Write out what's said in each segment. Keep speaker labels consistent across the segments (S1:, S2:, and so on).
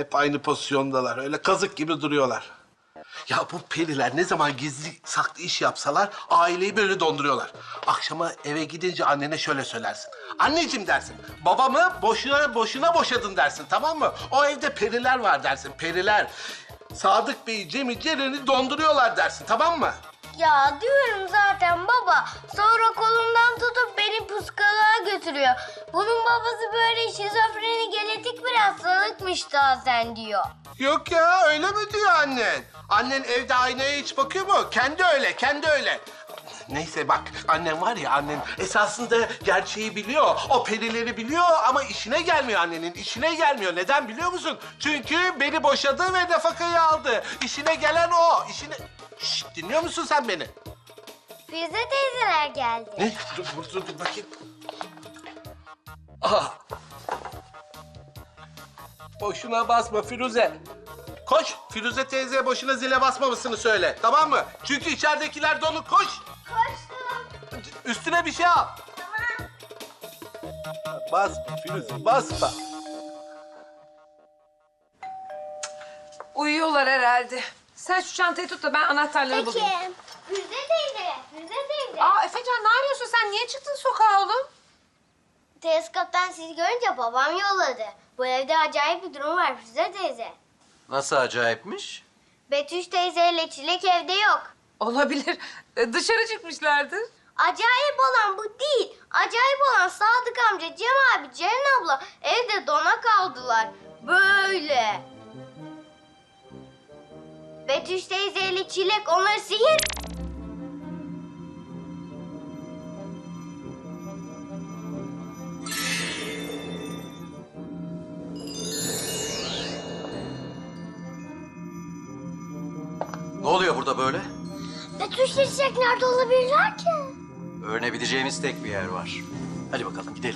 S1: Hep aynı pozisyondalar. Öyle kazık gibi duruyorlar. Ya bu periler ne zaman gizli saklı iş yapsalar aileyi böyle donduruyorlar. Akşama eve gidince annene şöyle söylersin. Anneciğim dersin, babamı boşuna boşadın dersin, tamam mı? O evde periler var dersin, periler. Sadık Bey'i, Cem'i, Ceren'i donduruyorlar dersin, tamam mı?
S2: Ya diyorum zaten baba. Sonra kolumdan tutup beni psikoloğa götürüyor. Bunun babası böyle şizofreni genetik bir hastalıkmış zaten diyor.
S1: Yok ya, öyle mi diyor annen? Annen evde aynaya hiç bakıyor mu? Kendi öyle, kendi öyle. Neyse bak, annem var ya, annen esasında gerçeği biliyor. O perileri biliyor ama işine gelmiyor annenin, işine gelmiyor. Neden biliyor musun? Çünkü beni boşadı ve nafakayı aldı. İşine gelen o, işine... Şşt, dinliyor musun sen beni?
S2: Firuze teyzeler geldi.
S1: Ne? Dur bakayım. Aha. Boşuna basma Firuze. Koş, Firuze teyzeye boşuna zile basmamasını söyle, tamam mı? Çünkü içeridekiler dolu, koş.
S2: Koştum.
S1: Üstüne bir şey al.
S2: Tamam.
S1: Basma Firuze, basma.
S3: Uyuyorlar herhalde. Sen şu çantayı tut da ben anahtarları
S2: Peki.
S3: bulayım.
S2: Firuze teyze, Firuze teyze.
S3: Aa Efecan ne arıyorsun sen? Niye çıktın sokağa oğlum?
S2: Teleskoptan sizi görünce babam yolladı. Bu evde acayip bir durum var Firuze teyze.
S4: Nasıl acayipmiş?
S2: Betüş teyzeyle Çilek evde yok.
S3: Olabilir. Dışarı çıkmışlardır.
S2: Acayip olan bu değil. Acayip olan Sadık amca, Cem abi, Ceren abla evde dona kaldılar. Böyle. Betüş teyzeyle Çilek onları sihir...
S4: Ne oluyor burada böyle?
S2: Betüşle Çilek nerede olabilirler ki?
S4: Öğrenebileceğimiz tek bir yer var. Hadi bakalım gidelim.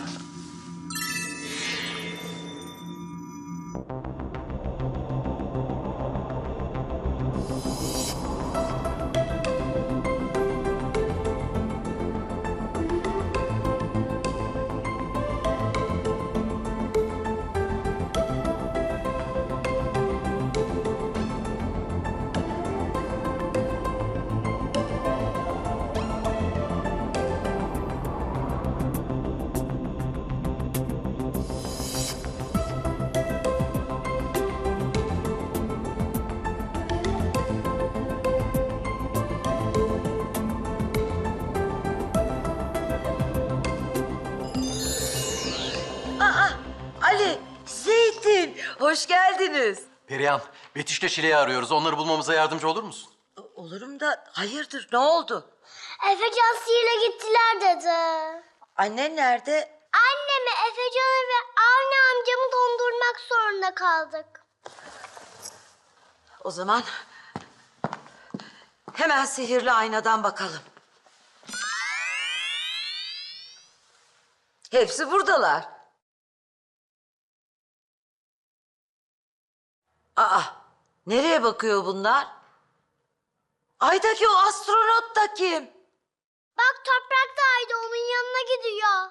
S5: Ali, Zeytin, hoş geldiniz.
S4: Perihan, Betüş'le Şile'yi arıyoruz. Onları bulmamıza yardımcı olur musun?
S5: Olurum da hayırdır, ne oldu?
S2: Efecan sihirle gittiler dedi.
S5: Annen nerede?
S2: Annemi, Efecan'ı ve Avni amcamı dondurmak zorunda kaldık.
S5: O zaman hemen sihirli aynadan bakalım. Hepsi buradalar. Aa, nereye bakıyor bunlar? Aydaki o astronot da kim?
S2: Bak toprak da Ayda onun yanına gidiyor.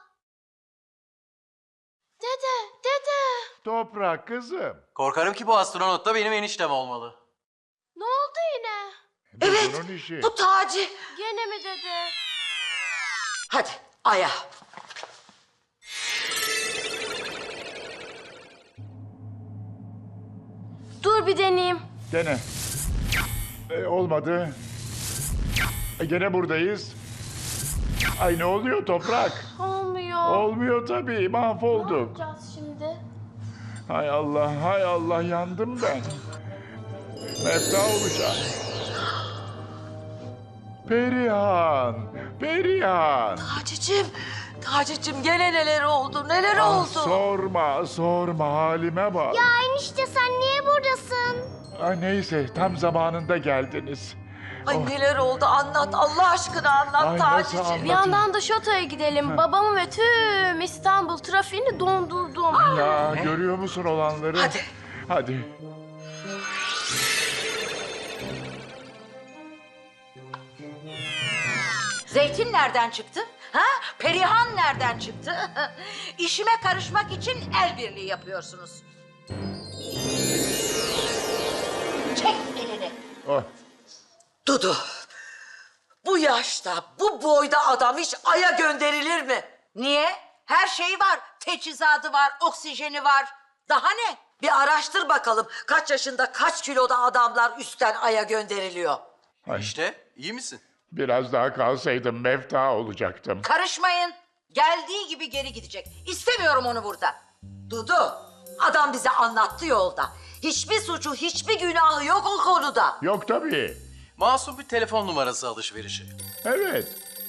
S2: Dede.
S6: Toprak kızım.
S4: Korkarım ki bu astronot da benim eniştem olmalı.
S2: Ne oldu yine?
S6: Bu
S5: Evet,
S6: bunun işi.
S5: bu Taci.
S2: Gene mi dede?
S5: Hadi, aya.
S2: Dur bir deneyeyim.
S6: Gene. Olmadı. Gene buradayız. Ay ne oluyor toprak?
S2: Olmuyor.
S6: Olmuyor tabii, mahvolduk.
S2: yapacağız şimdi?
S6: Hay Allah, hay Allah, yandım ben. Mefta olacağım. Perihan, Perihan.
S5: Taci'cim gene neler oldu, neler oldu?
S6: Sorma halime bak.
S2: Ya enişte sen niye buradasın?
S6: Ay neyse, tam zamanında geldiniz.
S5: Ay neler oldu, anlat, Allah aşkına anlat
S6: Ay, nasıl
S5: Taci'cim.
S6: anlat-
S2: Bir yandan da şatoya gidelim. Babamı ve tüm İstanbul trafiğini dondurdum.
S6: Ya görüyor musun olanları?
S5: Hadi.
S6: Hadi.
S5: Zeytin nereden çıktı? Ha? Perihan nereden çıktı? İşime karışmak için el birliği yapıyorsunuz. Çek elini.
S6: Oh,
S5: Dudu, bu yaşta, bu boyda adam hiç Ay'a gönderilir mi? Niye? Her şeyi var. Teçhizatı var, oksijeni var. Daha ne? Bir araştır bakalım kaç yaşında, kaç kiloda adamlar üstten Ay'a gönderiliyor.
S4: İşte iyi misin?
S6: biraz daha kalsaydım mefta olacaktım.
S5: Karışmayın. Geldiği gibi geri gidecek. İstemiyorum onu burada. Dudu, adam bize anlattı yolda. Hiçbir suçu, hiçbir günahı yok o konuda.
S6: Yok tabii.
S4: Masum bir telefon numarası alışverişi.
S6: Evet.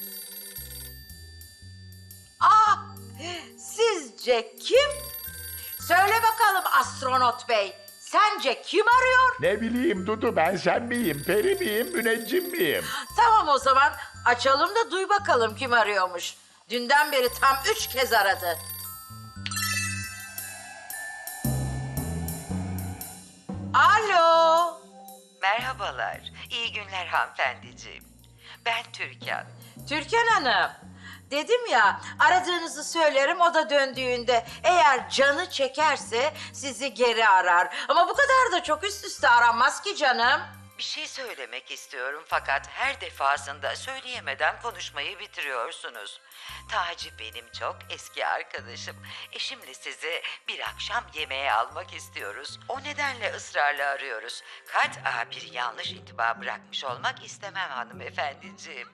S5: Aa, sizce kim? Söyle bakalım astronot bey. Sence kim arıyor?
S6: Ne bileyim Dudu, ben sen miyim, peri miyim, müneccim miyim?
S5: Tamam o zaman açalım da duy bakalım kim arıyormuş. Dünden beri tam 3 kez aradı. Alo.
S7: Merhabalar, iyi günler hanımefendiciğim. Ben Türkan.
S5: Türkan Hanım. Dedim ya aradığınızı söylerim o da döndüğünde eğer canı çekerse sizi geri arar. Ama bu kadar da çok üst üste aranmaz ki canım.
S7: Bir şey söylemek istiyorum fakat her defasında söyleyemeden konuşmayı bitiriyorsunuz. Taci benim çok eski arkadaşım. Eşimle sizi bir akşam yemeğe almak istiyoruz. O nedenle ısrarla arıyoruz. Kat'a bir yanlış intiba bırakmış olmak istemem hanımefendiciğim.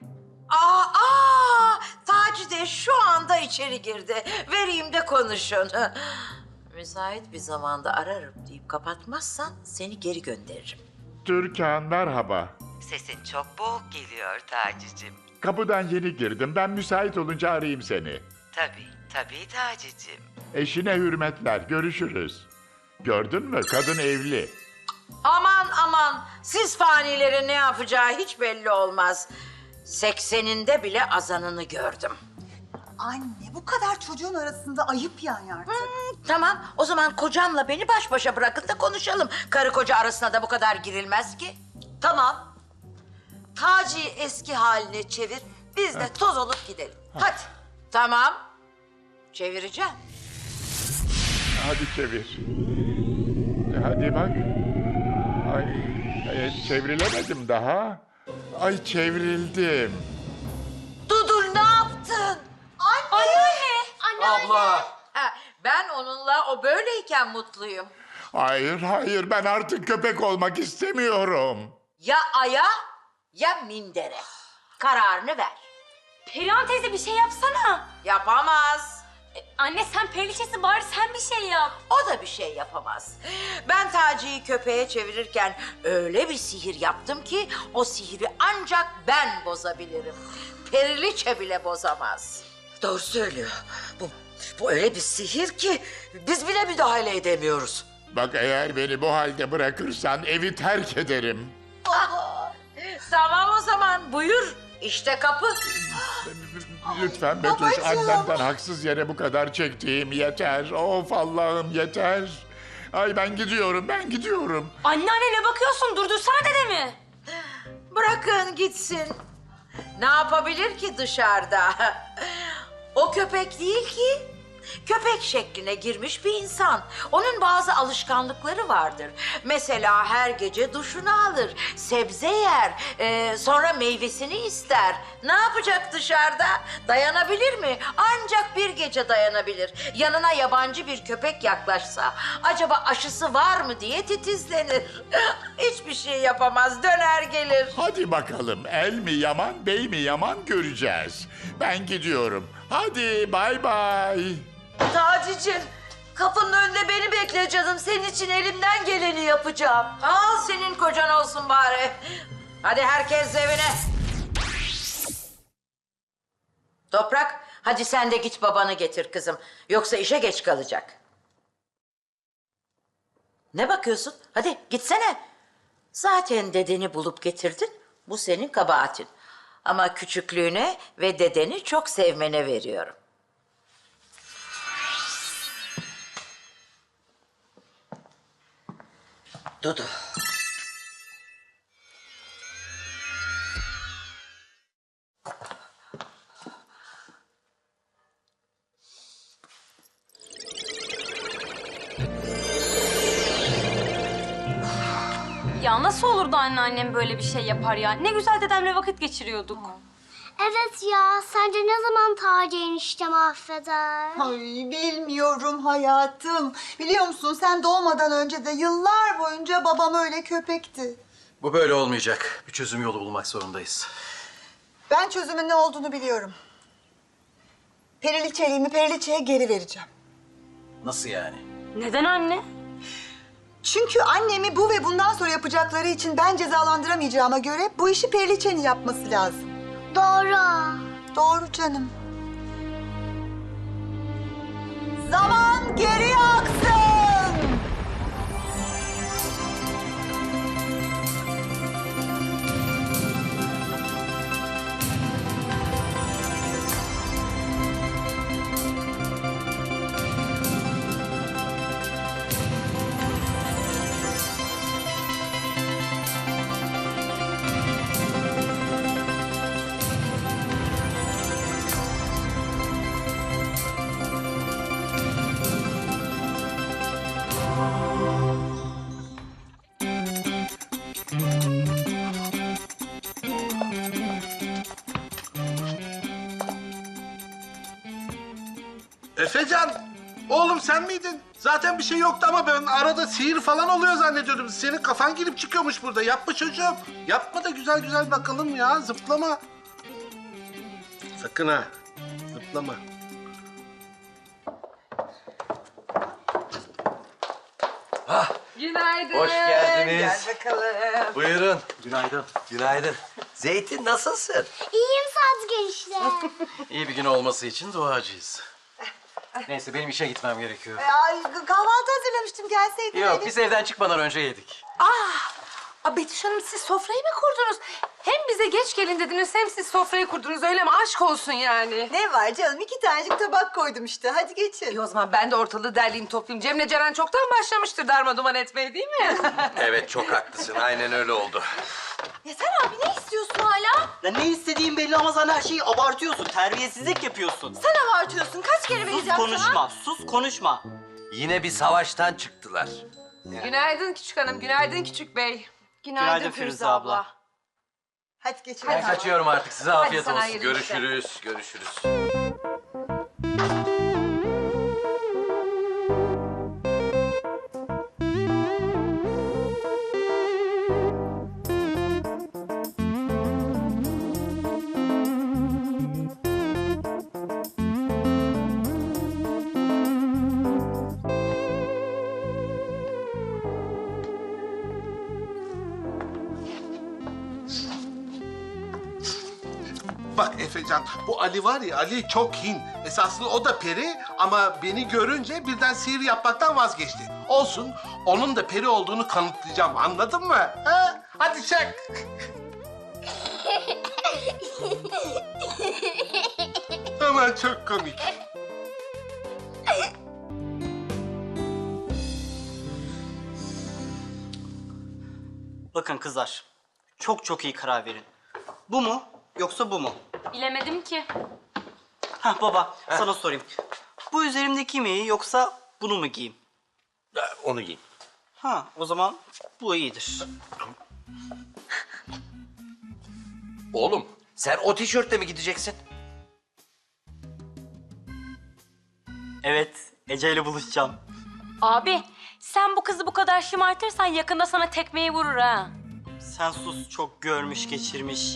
S5: Taci de şu anda içeri girdi. Vereyim de konuşun. Müsait bir zamanda ararım deyip kapatmazsan seni geri gönderirim.
S6: Türkan merhaba.
S7: Sesin çok boğuk geliyor Taci'cim.
S6: Kapıdan yeni girdim. Ben müsait olunca arayayım seni.
S7: Tabii Taci'cim.
S6: Eşine hürmetler. Görüşürüz. Gördün mü? Kadın evli.
S5: Aman siz fanilerin ne yapacağı hiç belli olmaz. 80'inde bile azanını gördüm.
S8: Anne bu kadar çocuğun arasında ayıp yani artık.
S5: Tamam o zaman kocamla beni baş başa bırakın da konuşalım. Karı koca arasına da bu kadar girilmez ki. Tamam. Taci'yi eski haline çevir. Biz de toz olup gidelim. Hadi. Tamam. Çevireceğim.
S6: Hadi çevir. Hadi bak. Ay, çevrilemedim daha. Ay çevrildim.
S5: Dudur ne yaptın?
S4: Abla!
S5: Ha, ben onunla o böyleyken mutluyum.
S6: Hayır, ben artık köpek olmak istemiyorum.
S5: Ya aya ya mindere. Kararını ver.
S2: Perihan teyze bir şey yapsana.
S5: Yapamaz.
S2: Anne sen periliçesin bari sen bir şey yap.
S5: O da bir şey yapamaz. Ben Taci'yi köpeğe çevirirken öyle bir sihir yaptım ki o sihiri ancak ben bozabilirim. Periliçe bile bozamaz. Doğru söylüyor. Bu öyle bir sihir ki biz bile müdahale edemiyoruz.
S6: Bak eğer beni bu halde bırakırsan evi terk ederim.
S5: Tamam o zaman buyur. İşte kapı.
S6: Lütfen Betüş, annemden haksız yere bu kadar çektiğim yeter. Of Allah'ım yeter. Ay ben gidiyorum.
S2: Anneanne ne bakıyorsun durdursana dedemi.
S5: Bırakın gitsin. Ne yapabilir ki dışarıda? O köpek değil ki. Köpek şekline girmiş bir insan. Onun bazı alışkanlıkları vardır. Mesela her gece duşunu alır, sebze yer, sonra meyvesini ister. Ne yapacak dışarıda? Dayanabilir mi? Ancak bir gece dayanabilir. Yanına yabancı bir köpek yaklaşsa, acaba aşısı var mı diye titizlenir. Hiçbir şey yapamaz, döner gelir.
S6: Hadi bakalım el mi yaman bey mi yaman göreceğiz. Ben gidiyorum. Hadi bay bay.
S5: Taci'cim, kapının önünde beni bekle canım. Senin için elimden geleni yapacağım. Al senin kocan olsun bari. Hadi herkes evine. Toprak, hadi sen de git babanı getir kızım. Yoksa işe geç kalacak. Ne bakıyorsun? Hadi gitsene. Zaten dedeni bulup getirdin. Bu senin kabahatin. Ama küçüklüğüne ve dedeni çok sevmene veriyorum. Dudu.
S9: Ya nasıl olur da anneannem böyle bir şey yapar ya? Ne güzel dedemle vakit geçiriyorduk.
S2: Evet ya, sence ne zaman Taci eniştem affeder?
S8: Ay bilmiyorum hayatım. Biliyor musun sen doğmadan önce de yıllar boyunca babam öyle köpekti.
S4: Bu böyle olmayacak. Bir çözüm yolu bulmak zorundayız.
S8: Ben çözümün ne olduğunu biliyorum. Periliçeliğimi Periliçe'ye geri vereceğim.
S4: Nasıl yani?
S9: Neden anne?
S8: Çünkü annemi bu ve bundan sonra yapacakları için ben cezalandıramayacağıma göre bu işi Periliçe'nin yapması lazım.
S2: Doğru.
S8: Doğru canım. Zaman geri aksın.
S1: Efecan, oğlum sen miydin? Zaten bir şey yoktu ama ben arada sihir falan oluyor zannediyordum. Senin kafan girip çıkıyormuş burada. Yapma çocuğum. Yapma da güzel güzel bakalım ya. Zıplama. Sakın ha. Zıplama.
S3: Günaydın.
S10: Hoş geldiniz.
S5: Gel bakalım.
S10: Buyurun.
S4: Günaydın.
S10: Günaydın. Zeytin nasılsın?
S2: İyiyim Sadık enişte.
S4: İyi bir gün olması için duacıyız. Neyse benim işe gitmem gerekiyor.
S8: Ay kahvaltı hazırlamıştım gelseydin.
S4: Yok
S8: Elif.
S4: biz evden çıkmadan önce yedik.
S3: Betüş Hanım siz sofrayı mı kurdunuz? Hem bize geç gelin dediniz hem siz sofrayı kurdunuz öyle mi? Aşk olsun yani.
S8: Ne var canım? 2 tanecik tabak koydum işte. Hadi geçin.
S3: İyi o zaman ben de ortalığı derleyeyim toplayayım. Cem'le Ceren çoktan başlamıştır darmaduman etmeye değil mi?
S10: Evet çok haklısın. Aynen öyle oldu.
S8: Yeter abi ne istiyorsun hala?
S11: Ya ne istediğin belli ama sen her şeyi abartıyorsun. Terbiyesizlik yapıyorsun.
S8: Sen abartıyorsun. Kaç kere
S11: Sus
S8: vereceğim
S11: konuşma, sus konuşma.
S10: Yine bir savaştan çıktılar.
S3: Günaydın küçük hanım, günaydın küçük bey.
S11: Günaydın Firuze abla.
S8: Hadi geçin.
S4: Ben kaçıyorum artık. Size afiyet
S3: sana
S4: olsun.
S3: hayırlı işler.
S10: Görüşürüz, görüşürüz.
S1: Bak Efecan, bu Ali var ya, Ali çok hin. Esasında o da peri ama beni görünce birden sihir yapmaktan vazgeçti. Olsun, onun da peri olduğunu kanıtlayacağım, anladın mı? Ha? Hadi çek. Aman çok komik.
S11: Bakın kızlar, çok iyi karar verin. Bu mu yoksa bu mu?
S9: Bilemedim ki.
S11: Hah baba, sana sorayım. Bu üzerimdeki mi iyi yoksa bunu mu giyeyim?
S10: Onu giy.
S11: Ha, o zaman bu iyidir.
S10: Oğlum sen o tişörtle mi gideceksin?
S11: Evet, Ece ile buluşacağım.
S9: Abi sen bu kızı bu kadar şımartırsan yakında sana tekmeyi vurur ha.
S11: Sen sus, çok görmüş geçirmiş.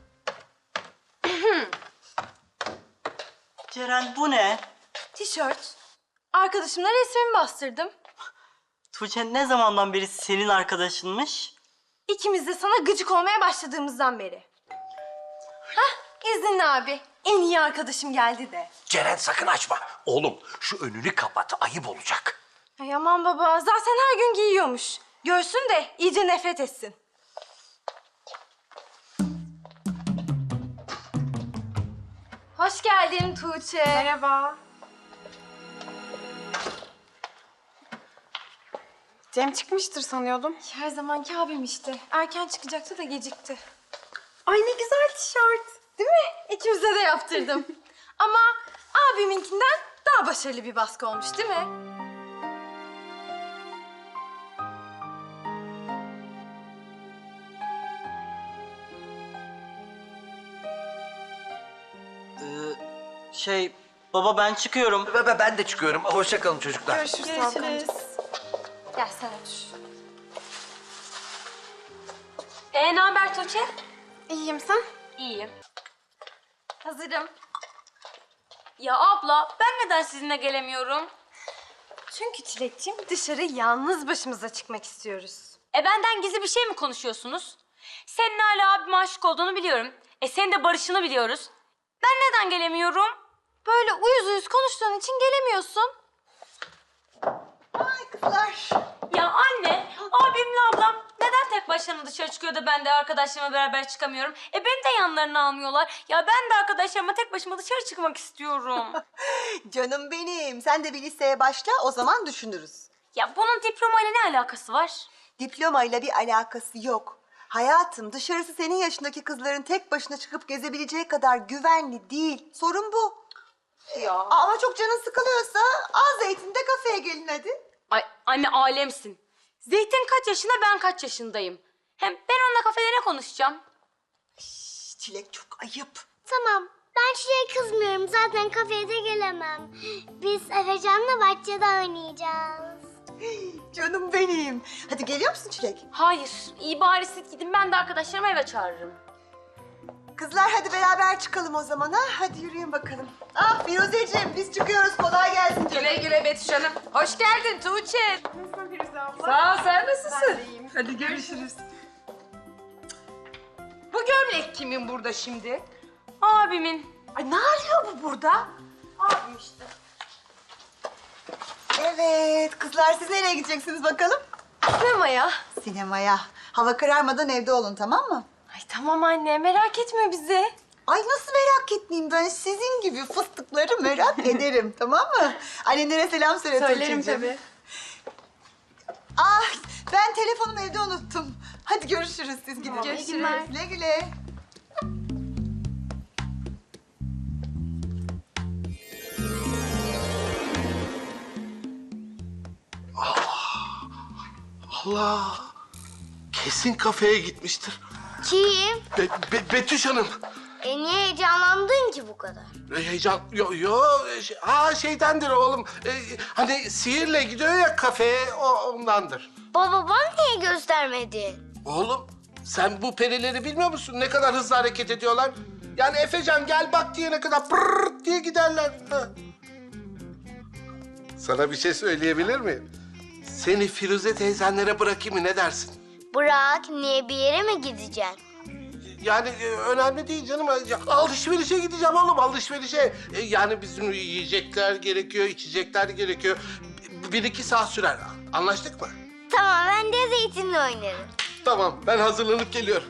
S11: Ceren bu ne?
S9: Tişört. Arkadaşımla resmimi bastırdım.
S11: Tuğçe ne zamandan beri senin arkadaşınmış?
S9: İkimiz de sana gıcık olmaya başladığımızdan beri. Hah, izinli abi. En iyi arkadaşım geldi de.
S10: Ceren sakın açma. Oğlum şu önünü kapat. Ayıp olacak.
S9: Ay aman baba, zaten her gün giyiyormuş. Görsün de iyice nefret etsin. Hoş geldin Tuğçe. Merhaba.
S3: Cem çıkmıştır sanıyordum.
S9: Her zamanki abim işte. Erken çıkacaktı da gecikti.
S3: Ay ne güzel tişört.
S9: Değil mi? İkimize de yaptırdım. Ama abiminkinden daha başarılı bir baskı olmuş değil mi?
S11: Baba ben çıkıyorum.
S4: Ben de çıkıyorum. Hoşça kalın çocuklar.
S9: Görüşürüz. Gel sen otur.
S3: Ne haber Tuğçe?
S9: İyiyim sen?
S3: İyiyim.
S9: Hazırım.
S3: Ya abla ben neden sizinle gelemiyorum?
S9: Çünkü Çilek'ciğim dışarı yalnız başımıza çıkmak istiyoruz.
S3: Benden gizli bir şey mi konuşuyorsunuz? Senin hala abime aşık olduğunu biliyorum. Senin de barışını biliyoruz. Ben neden gelemiyorum?
S9: Böyle uyuz uyuz konuştuğun için gelemiyorsun.
S8: Ay kızlar.
S3: Ya anne, abimle ablam neden tek başlarına dışarı çıkıyor da ben de arkadaşlarımla beraber çıkamıyorum? Beni de yanlarına almıyorlar. Ya ben de arkadaşlarıma tek başıma dışarı çıkmak istiyorum.
S8: Canım benim. Sen de bir liseye başla, o zaman düşünürüz.
S3: Ya bunun diplomayla ne alakası var?
S8: Diplomayla bir alakası yok. Hayatım, dışarısı senin yaşındaki kızların tek başına çıkıp gezebileceği kadar güvenli değil. Sorun bu.
S3: Ya.
S8: Ama çok canın sıkılıyorsa al Zeytin'de kafeye gelin hadi.
S3: Ay anne alemsin. Zeytin kaç yaşında, ben kaç yaşındayım? Hem ben onunla kafede ne konuşacağım?
S8: Çilek çok ayıp.
S2: Tamam. Ben Çilek'e kızmıyorum. Zaten kafeye de gelemem. Biz Efecan'la bahçede oynayacağız.
S8: Canım benim. Hadi geliyor musun Çilek?
S3: Hayır, iyi bari siz gidin, ben de arkadaşlarımı eve çağırırım.
S8: Kızlar hadi beraber çıkalım o zaman ha. Hadi yürüyün bakalım. Ah Firuzeciğim biz çıkıyoruz. Kolay gelsin canım.
S3: Güle güle Betüş Hanım. Hoş geldin Tuğçe.
S9: Nasılsın Firuze abla?
S3: Sağ ol, sen nasılsın?
S9: Ben de iyiyim.
S3: Hadi görüşürüz. Bu gömlek kimin burada şimdi? Abimin.
S8: Ay ne arıyor bu burada?
S9: Abim işte.
S8: Evet kızlar siz nereye gideceksiniz bakalım?
S9: Sinemaya.
S8: Sinemaya. Hava kararmadan evde olun tamam mı?
S9: Ay tamam anne merak etme bizi.
S8: Ay nasıl merak etmeyeyim ben sizin gibi fıstıkları merak ederim tamam mı? Annenlere selam söyle
S9: Söylerim
S8: Tuğçe'cim.
S9: tabii.
S8: Ah ben telefonumu evde unuttum. Hadi görüşürüz siz gidin.
S9: Görüşürüz.
S8: Güle güle.
S1: Allah! Kesin kafeye gitmiştir.
S2: Kim?
S1: Betüş Hanım.
S2: Niye heyecanlandın ki bu kadar?
S1: Heyecan... Şeydendir oğlum. Hani sihirle gidiyor ya kafeye, ondandır.
S2: Baba bana niye göstermedin?
S1: Oğlum sen bu perileri bilmiyor musun? Ne kadar hızlı hareket ediyorlar. Yani Efecan gel bak diyene kadar pırrrt diye giderler. Ha. Sana bir şey söyleyebilir miyim? Seni Firuze teyzenlere bırakayım mı ne dersin?
S2: Bırak, niye bir yere mi gideceksin?
S1: Yani önemli değil canım. Alışverişe gideceğim oğlum, alışverişe. Yani bizim yiyecekler gerekiyor, içecekler gerekiyor. 1-2 saat sürer. Anlaştık mı?
S2: Tamam, ben de Zeytin'le oynarım.
S1: Tamam, ben hazırlanıp geliyorum.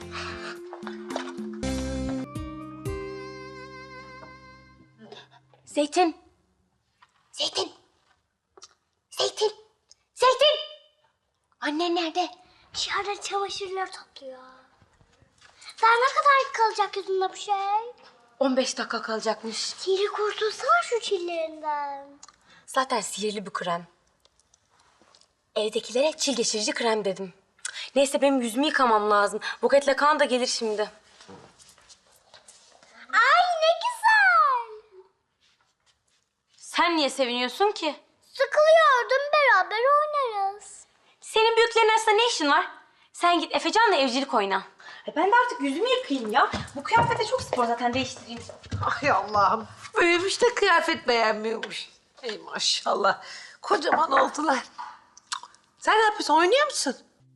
S3: Zeytin.
S2: Zeytin! Zeytin! Zeytin!
S3: Annen nerede?
S2: Dışarıda çamaşırlar topluyor. Daha ne kadar kalacak yüzünde bu şey?
S3: 15 dakika kalacakmış.
S2: Sihri kurtulsana şu çillerinden.
S3: Zaten sihirli bir krem. Evdekilere çil geçirici krem dedim. Neyse benim yüzümü yıkamam lazım. Buketle kan da gelir şimdi.
S2: Ay ne güzel!
S3: Sen niye seviniyorsun ki?
S2: Sıkılıyordum, beraber oynarız.
S3: Senin büyüklerin arasında ne işin var? Sen git Efecan'la evcilik oyna. Ben de artık yüzümü yıkayayım ya. Bu kıyafete çok spor zaten, değiştireyim.
S5: Ay Allah'ım. Büyümüş de kıyafet beğenmiyormuş. Ey maşallah. Kocaman oldular. Sen ne yapıyorsun? Oynuyor musun?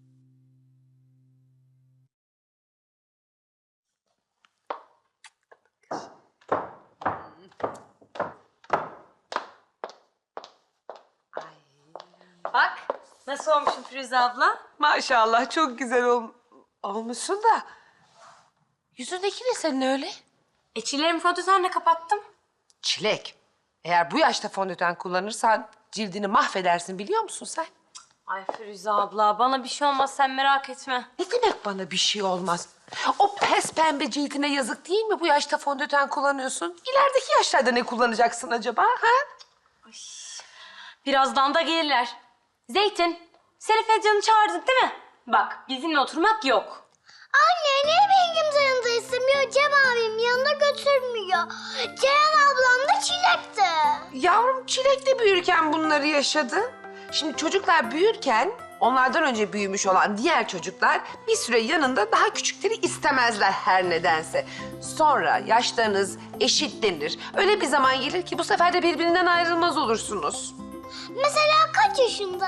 S3: Bak nasıl olmuşum Firuze abla?
S5: Maşallah çok güzel olmuşsun da. Yüzündeki ne senin öyle?
S3: Çillerimi fondötenle kapattım.
S12: Çilek, eğer bu yaşta fondöten kullanırsan cildini mahvedersin biliyor musun sen?
S3: Ay Firuze abla bana bir şey olmaz, sen merak etme.
S12: Ne demek bana bir şey olmaz? O pes pembe cildine yazık değil mi bu yaşta fondöten kullanıyorsun? İlerideki yaşlarda ne kullanacaksın acaba ha?
S3: Birazdan da gelirler. Zeytin, sen Efecan'ı çağırdık değil mi? Bak bizimle oturmak yok.
S2: Anne niye benim yanımdaysın? götürmüyor, Cem abim yanına götürmüyor. Ceren ablam da Çilek'ti.
S12: Yavrum Çilek de büyürken bunları yaşadı. Şimdi çocuklar büyürken onlardan önce büyümüş olan diğer çocuklar bir süre yanında daha küçükleri istemezler her nedense. Sonra yaşlarınız eşitlenir. Öyle bir zaman gelir ki bu sefer de birbirinden ayrılmaz olursunuz.
S2: Mesela kaç yaşında?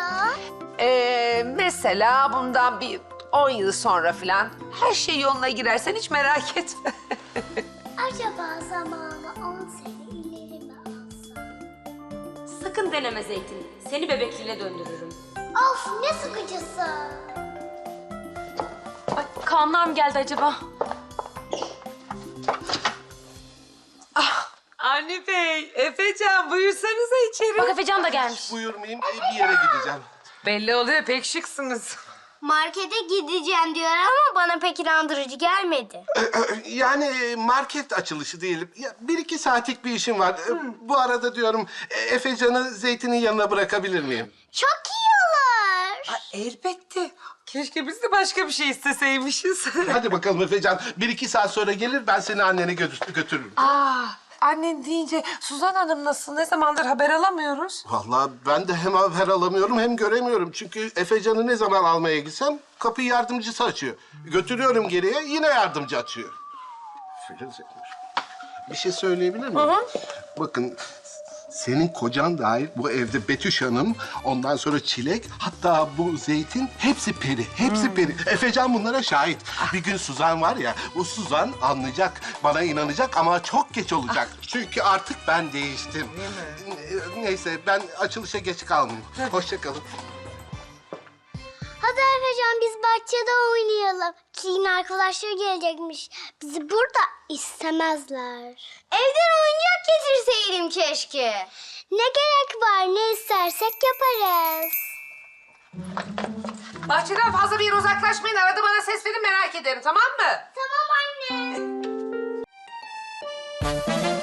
S12: Mesela bundan bir 10 yıl sonra falan her şey yoluna girersen hiç merak etme.
S2: Acaba zamanı 10 sene ileri mi alsam?
S3: Sakın deneme Zeytin. Seni bebekliğine döndürürüm.
S2: Of ne sıkıcısı.
S3: Ay, Kaanlar mı geldi acaba?
S12: Avni Bey, Efecan buyursanıza içeri.
S3: Bak Efecan da gelmiş.
S1: Buyurmayayım, bir yere gideceğim.
S12: Belli oluyor pek şıksınız.
S2: Markete gideceğim diyor ama bana pek inandırıcı gelmedi.
S1: Yani market açılışı diyelim. Ya, 1-2 saatlik bir işim var. Bu arada diyorum, Efecan'ı Zeytin'in yanına bırakabilir miyim?
S2: Çok iyi olur.
S12: Elbette. Keşke biz de başka bir şey isteseymişiz.
S1: Hadi bakalım Efecan. 1-2 saat sonra gelir, ben seni annene götürürüm.
S12: Annen deyince Suzan Hanım nasıl? Ne zamandır haber alamıyoruz?
S1: Vallahi ben de hem haber alamıyorum hem göremiyorum. Çünkü Efecan'ı ne zaman almaya gitsem kapıyı yardımcısı açıyor. Götürüyorum geriye, yine yardımcı açıyor. Filiz etmiş. Bir şey söyleyebilir miyim? Bakın, senin kocan dahil bu evde Betüş Hanım, ondan sonra Çilek, hatta bu Zeytin hepsi peri, hepsi peri. Efecan bunlara şahit. Bir gün Suzan var ya, bu Suzan anlayacak, bana inanacak ama çok geç olacak. Çünkü artık ben değiştim. Neyse, ben açılışa geç kalmayayım. Hoşça kalın.
S2: Hadi Efecan biz bahçede oynayalım. Çiğ'in arkadaşları gelecekmiş. Bizi burada istemezler. Evden oyuncak getirseydim keşke. Ne gerek var, ne istersek yaparız.
S12: Bahçeden fazla bir yere uzaklaşmayın. Arada bana ses verin merak ederim tamam mı?
S2: Tamam anne.